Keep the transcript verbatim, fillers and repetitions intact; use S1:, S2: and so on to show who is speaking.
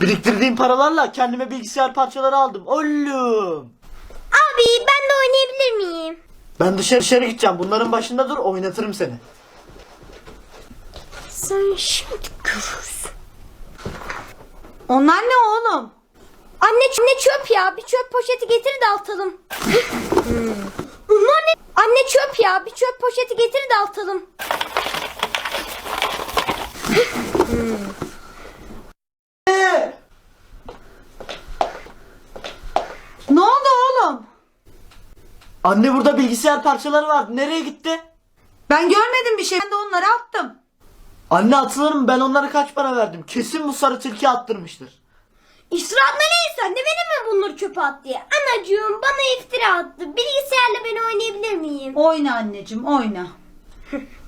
S1: Biriktirdiğim paralarla kendime bilgisayar parçaları aldım. Oğlum.
S2: Abi ben de oynayabilir miyim?
S1: Ben dışarı dışarı gideceğim. Bunların başında dur, oynatırım seni.
S2: Sen şimdi görürsün.
S3: Onlar ne oğlum?
S2: Anne, ne çöp ya? Bir çöp poşeti getir de atalım. Bunlar ne? Anne çöp ya. Bir çöp poşeti getir de atalım.
S1: Ee,
S3: Ne oldu oğlum?
S1: Anne burada bilgisayar parçaları vardı. Nereye gitti?
S3: Ben görmedim bir şey. Ben de onları attım.
S1: Anne atılır mı? Ben onlara kaç para verdim? Kesin bu sarı tilki attırmıştır.
S2: İsraf nereye sen de benim mi bunları çöpe at diye? Anacığım bana iftira attı. Bilgisayarla ben oynayabilir miyim?
S3: Oyna anneciğim oyna.